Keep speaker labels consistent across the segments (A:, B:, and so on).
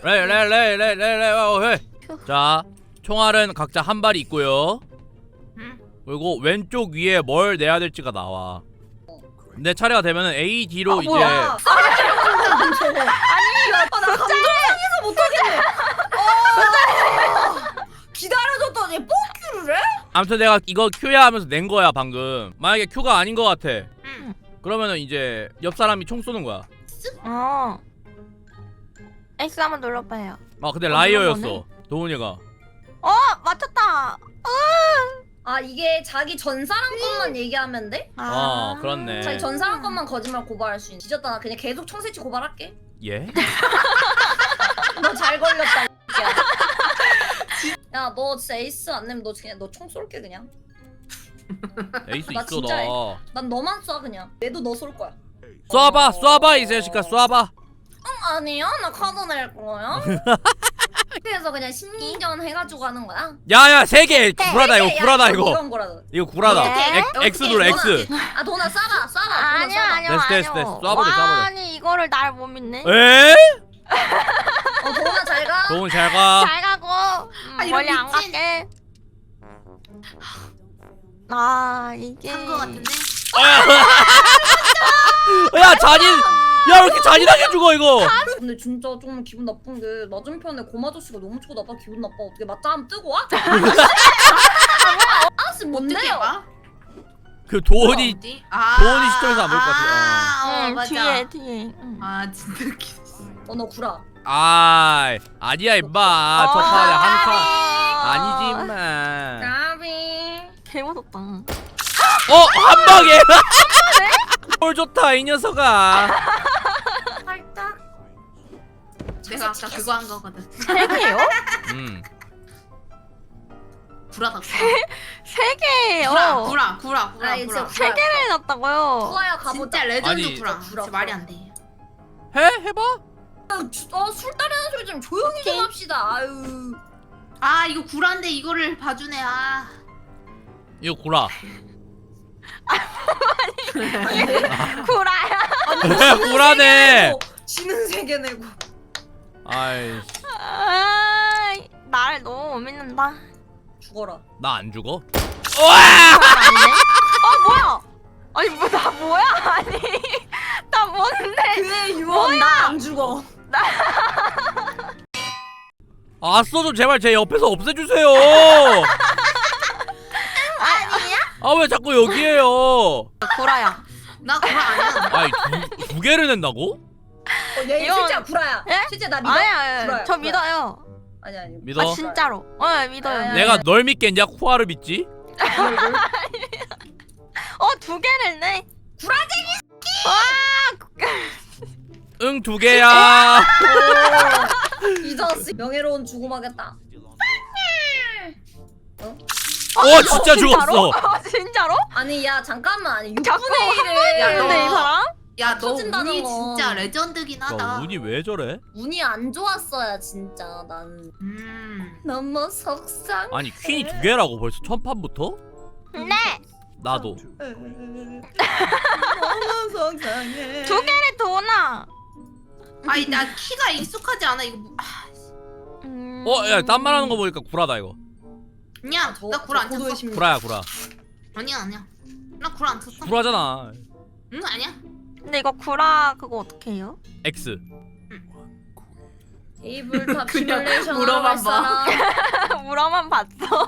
A: 레. 자, 총알은 각자 한 발이 있고요. 그리고 왼쪽 위에 뭘 내야 될지가 나와. 내 차례가 되면은 A, D로 이제.
B: 아니, 나 감정상해서 못하겠네. 기다려줬더니 뽕큐를 해?
A: 아무튼 내가 이거 Q야 하면서 낸 거야 방금. 만약에 Q가 아닌 거 같아. 그러면은 이제 옆 사람이 총 쏘는 거야.
C: X 한번 눌러봐요.
A: 아 근데 라이어였어 도훈이가.
C: 맞췄다.
B: 아 이게 자기 전 사람 것만 얘기하면 돼?
A: 그렇네.
B: 자기 전 사람 것만 거짓말 고발할 수 있는. 뒤졌다. 나 그냥 계속 청새치 고발할게.
A: 예?
B: 너 잘 걸렸다. 야 너 진짜 에이스 안 내면 너 그냥 너 총 쏠게 그냥.
A: 에이스
B: 나
A: 있어
B: 진짜
A: 너.
B: 난 너만 쏴 그냥. 얘도 너 쏠 거야.
A: 쏴봐 이 자식아 쏴봐.
B: 아니요 나 카드 낼 거야. 그래서 그냥 심리전 해가지고 하는 거야.
A: 야야 3개 구라다 이거 구라다 이거.
B: 이런 거라도.
A: 이거 구라다. X 눌러 X.
B: 아 도나 쏴봐.
C: 아니요.
A: 됐어. 쏴버려.
C: 아니 이거를 날 못 믿네.
A: 에?
B: 도나 잘 가.
A: 도훈 잘 가.
C: 잘 가고 멀리 안 갈게. 이게
D: 한거 같은데?
A: 야 잔인. 야 왜 이렇게 잔인하게 죽어 이거.
B: 근데 진짜 좀 기분 나쁜 게 맞은편에 고마저씨가 너무 치고 나빠 기분 나빠. 어떻게 맞짱 한번 뜨고 와? 아씨 뭔데요?
A: 그 도훈이
D: 어디?
A: 도훈이 시점에서 안 볼 것 같아.
D: 맞아.
C: 뒤에.
D: 아 진짜 웃기다.
B: 너 구라.
A: 아니야 임마. 저 판에 한 판. 아니지 임마.
B: 까비.
C: 개 무섭다.
A: 한 방에. 뭘 좋다 이 녀석아.
B: 살짝.
D: 내가 아까 그거 한 거거든.
C: 3개요?
D: 구라다.
C: 3개예요.
D: 구라.
B: 아, 이제
C: 3개를 넣었다고요.
B: 구아야 가보자.
D: 진짜 레전드
A: 아니,
D: 구라.
B: 구라.
D: 진짜 말이 안 돼.
A: 해봐.
B: 술 따르는 소리 좀 조용히 좀 합시다. 아유.
D: 아 이거 구라인데 이거를 봐주네.
A: 이거 구라.
C: 구라야.
A: 구라네.
B: 지는 세계 내고.
A: 아이씨.
C: 나를 너무 못 믿는다.
B: 죽어라.
A: 나 안 죽어?
C: 뭐야? 아니 나 뭐야? 아니 나 뭔데?
B: 그의 유언 나안 죽어.
A: 아싸 좀 제발 제 옆에서 없애주세요.
C: 아니야?
A: 왜 자꾸 여기에요?
C: 구라야.
D: 나 구라 아니야.
A: 아이 두 개를 낸다고?
B: 얘
C: 이건-
B: 실제 구라야.
C: 예?
B: 실제 나 믿어.
C: 아니야.
B: 구라야,
C: 저
B: 구라야.
C: 믿어요.
B: 아니.
A: 믿어?
C: 진짜로. 믿어요.
B: 아니,
A: 내가 널 믿겠냐? 쿠아를 믿지?
C: 2개를 내.
A: 응 2개야.
B: 이 자식 명예로운 죽음하겠다.
A: 진짜 죽었어.
C: 진짜로?
B: 아니 야 잠깐만. 아니
C: 자꾸
B: 6분의 1을
D: 야,
C: 근데 이
D: 너-
C: 사람?
D: 야 너
B: 터진다는
D: 운이
B: 거.
D: 진짜 레전드긴 하다.
A: 운이 왜 저래?
B: 운이 안 좋았어야 진짜 난 너무 속상.
A: 아니 퀸이 2개라고 벌써 첫 판부터?
C: 네.
A: 나도.
B: 너무 속상해.
C: 2개를 도나.
D: 아니 나 키가 익숙하지 않아 이거.
A: 야 딴 말하는 거 보니까 구라다 이거.
D: 아니야. 나 구라 안
B: 고도의
D: 쳤어.
B: 심리.
A: 구라야.
D: 아니야. 나 구라 안 쳤어.
A: 구라잖아.
D: 응 아니야.
C: 근데 이거 구라 그거 어떻게 해요?
A: X.
B: 테이블탑
D: 그냥
B: 시뮬레이션
D: 물어만
B: 할 사람.
C: 물어만 봤어.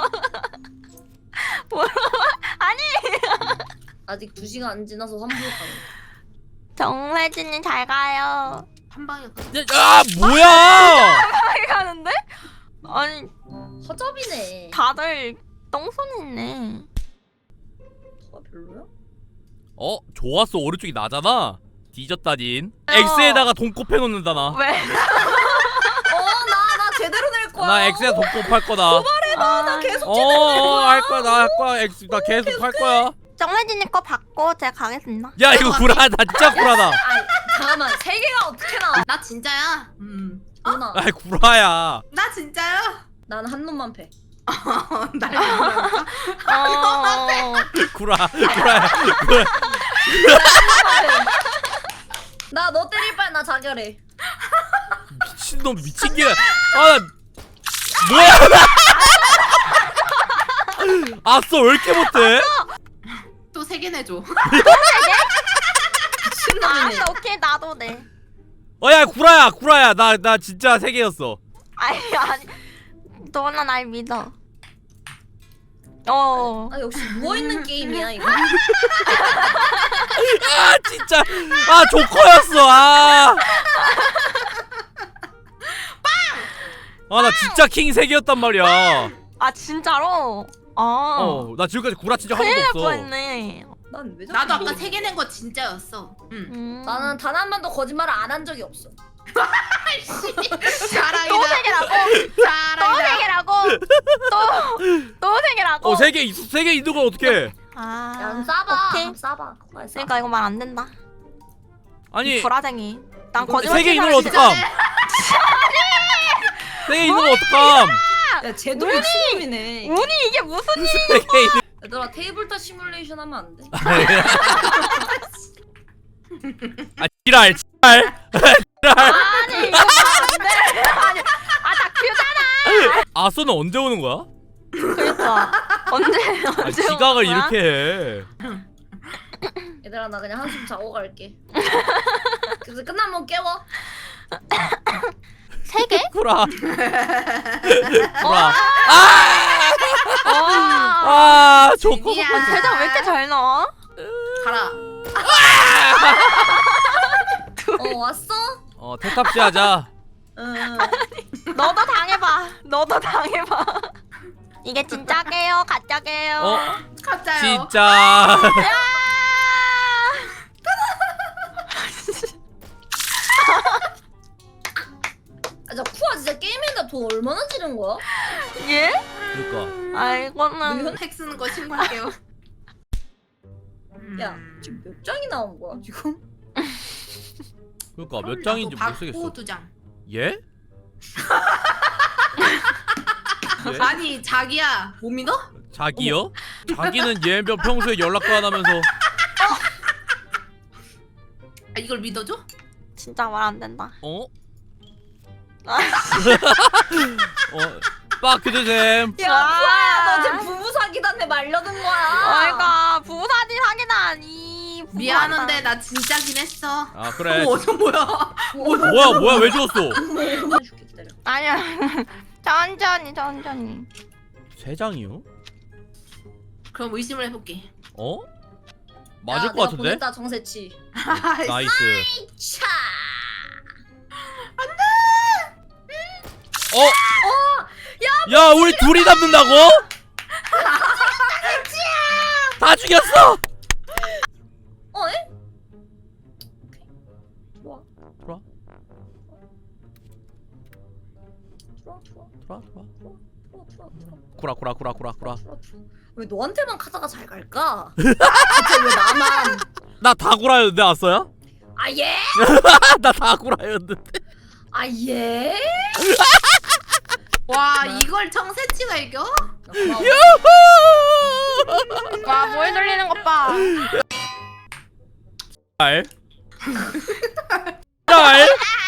B: 아직 2시간 안 지나서 3부 가는.
C: 정래진님 잘 가요.
D: 한 방에 가.
A: 뭐야?
C: 잘 가는데? 아니
B: 허접이네.
C: 다들 똥손했네.
B: 가 별로야?
A: 좋았어. 오른쪽이 나잖아. 뒤졌다닌. X에다가 돈 곱해놓는다 나.
C: 왜?
B: 나 제대로 낼 거야.
A: 나 X에 돈 곱할 거다.
B: 나 계속 제대로 낼 거야.
A: 할 거야. 나 할 거야. X 나 계속 할 거야.
C: 정래진님 거 받고 제가 가겠습니다.
A: 야 이거 구라다. 진짜 구라다.
B: 아니 잠깐만 3개가 어떻게 나와?
D: 나 진짜야.
B: 누나
A: 아이 구라야.
D: 나 진짜야.
B: 난 한 놈만 패.
D: 날
A: 구라야.
B: 나 너 때릴 바에 나 자결해.
A: 미친놈 미친게. 아 뭐야? 아싸 왜 이렇게 못해?
D: 또 3개 내줘.
C: 알았어, 오케이, 나도 내.
A: 어야 구라야 나 진짜 3개였어.
C: 아니, 너나 날 믿어.
B: 아 역시 누워있는 게임이야 이거.
A: 아 진짜 아 조커였어. 아 나 진짜 킹 3개였단 말이야.
C: 아, 진짜로?
A: 나 지금까지 구라친 적 한
C: 큰일 날
A: 번도 없어.
B: 난왜
C: 뻔했네.
B: 자꾸
D: 나도 아까
B: 이거-
D: 3개 낸 거 진짜였어.
B: 나는 단 한 번도 거짓말을 안 한 적이 없어.
D: 자랑이다.
C: 또 3개라고? 또
D: 자랑이다.
C: 3개라고? 또 3개라고?
A: 3개 있는 걸 어떡해?
C: 아,
B: 야, 싸봐.
C: 오케이.
B: 한번 싸봐.
C: 그러니까 이거 말 안 된다.
A: 아니
C: 불화쟁이. 난
D: 이거
C: 거짓말
A: 3개 있는 걸
C: 치는 사람이
A: 어떡함? 3개 있는 걸 어떡함?
B: 야 쟤도 미친놈이네.
C: 운이 이게 무슨 일?
A: 3개 있는
B: 얘들아 테이블탑 시뮬레이션 하면 안 돼?
A: 아 지랄
C: 아니, 이거 말안 돼. 아니, 다큐잖아.
A: 아서는 언제 오는 거야?
C: 그러니까. 언제
A: 아, 지각을
C: 오는 거야?
A: 이렇게 해.
B: 얘들아 나 그냥 한숨 자고 갈게. 그래서 끝나면 깨워.
C: 3개?
A: 구라. 구라.
C: 와.
A: 아 조커.
D: 재미야.
C: 대장 왜 이렇게 잘 나와?
D: 가라.
B: 왔어?
A: 태탑시 하자.
B: 응.
C: 너도 당해봐. 너도 당해봐. 이게 진짜게요? 가짜게요?
D: 가짜요.
A: 진짜.
B: 아, 저 쿠아 진짜 게임인데 돈 얼마나 지른 거야?
C: 예?
A: 그러니까.
C: 아, 이거는
D: 핵 쓰는 거 신고할게요.
B: 야 지금 몇 장이 나온 거야 지금?
A: 그러니까 몇 장인지 못 쓰겠어.
D: 2장.
A: 예? 예?
D: 아니 자기야 못 믿어?
A: 자기요? 자기는 얘면 평소에 연락도 안 하면서.
D: 아, 이걸 믿어줘?
C: 진짜 말 안 된다.
A: 어? 빠크드셈.
B: 야 쿠아야 너 지금 부부 사기단에 말려든 거야.
C: 그러니까 부부사진 사기다니.
D: 미안한데 나 진짜긴 했어.
A: 아 그래.
D: 저 뭐야?
A: 뭐야 왜 줬어?
B: 해줄게 기다려.
C: 아니야. 천천히.
A: 3장이요?
D: 그럼 의심을 해볼게.
A: 어? 맞을
B: 야,
A: 것
B: 내가
A: 같은데?
B: 보냈다 정세치.
A: 나이스.
B: 차.
A: 야 우리 둘이 잡는다고? 다 죽였어.
B: 에? 좋아.
A: 들어와. 구라.
B: 왜 너한테만 카드가 잘 갈까? 대체 왜 나만?
A: 나 다 구라였는데 왔어요?
B: 아 예?
A: 나 다 구라였는데.
B: 아 예?
D: 와 이걸 청새치가 이겨?
B: 고마워.
C: 와, 뭐에 돌리는 것 봐.
A: 알. 알.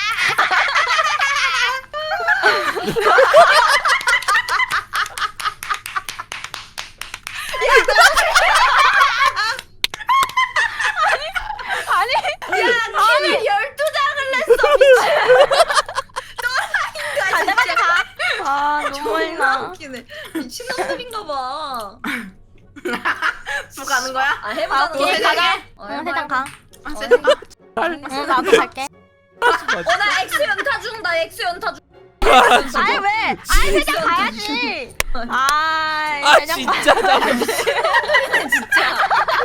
B: 아니 12장을 냈어 미친.
C: 빨리 가. 아, 눈물
B: 존나
C: 나.
B: 웃기네. 미친놈인가 봐.
D: 또 가는 거야?
B: 아 해보자.
C: 오케이,
D: 세장
C: 가자.
D: 해?
C: 응, 세장 가.
D: 아 세장 가?
C: 응, 나도 갈게.
B: 나 X 연타 중. 나 X 연타 중.
C: 아니 왜? 아니 세장 가야지.
A: 아
C: 세장
A: 진짜 나
B: 진짜.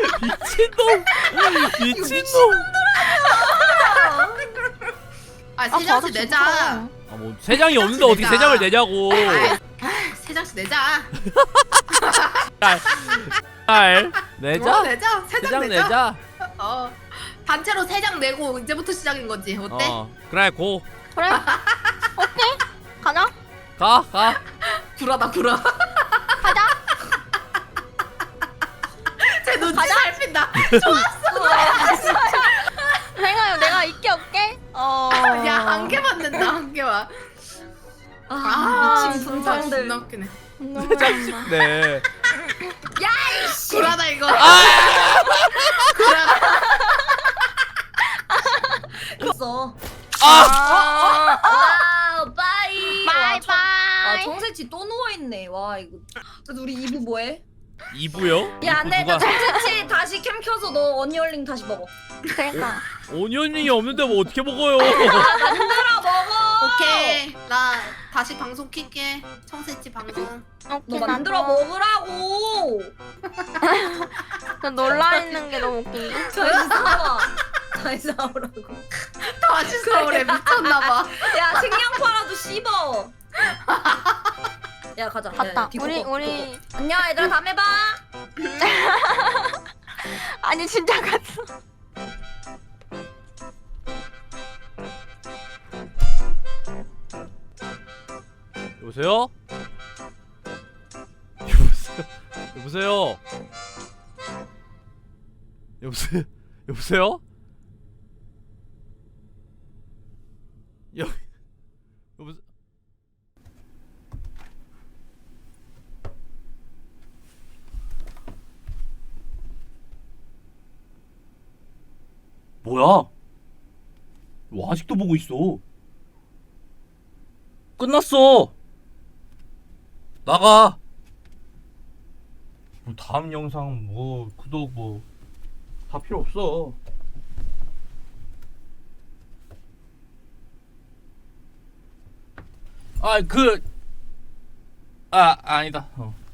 A: 미친놈.
D: 아 세장씩 내자.
A: 아뭐 3장이 없는데 어떻게 3장을 내냐고.
D: 세장씩 내자.
A: 알. 내자.
D: 내자.
A: 3장
D: 세장 내자.
A: 내자.
D: 단체로 3장 내고 이제부터 시작인 거지. 어때?
A: 그래 고.
C: 그래? 오케이. 가자.
A: 가.
D: 구라다 구라.
C: 가자.
D: 제 눈치 잘 핀다.
C: 생각해, 내가 있게 없게.
D: 야, 한 개만 된다, 한 개만.
B: 미친
D: 진짜
B: 분상들.
D: 존나 웃기네.
A: 네.
D: 굴하다 이거.
B: 있어.
A: 아!
B: 빠이.
C: 바이 바이.
B: 정세치 또 누워있네. 와, 이거. 그래서 우리 2부 뭐해?
A: 2부요?
B: 야, 안 되겠다. 정세치 다시 캠 켜서 너 언니얼링 다시 먹어.
C: 그러니까.
A: 오니언링이 없는데 뭐 어떻게 먹어요?
B: 만들어 먹어!
D: 오케이. 나 다시 방송 킬게. 청새치 방송.
B: 너 만들어 먹으라고!
C: 나 놀라 있는 게 너무 웃긴데.
B: 다시 사와. 다시 사오라고.
D: 다시 서울에 미쳤나봐.
B: 야, 식량파라도 씹어. 야, 가자.
C: 갔다.
B: 야, 비꼬, 비꼬.
C: 우리
B: 안녕, 얘들아. 다음에 봐.
C: 아니 진짜 갔어.
A: 여보세요? 여보세요? 여보세요? 여보세요? 여보세요? 여보세요? 뭐야? 뭐 아직도 보고 있어? 끝났어. 나가. 다음 영상 뭐 구독 뭐 다 필요 없어. 아니다.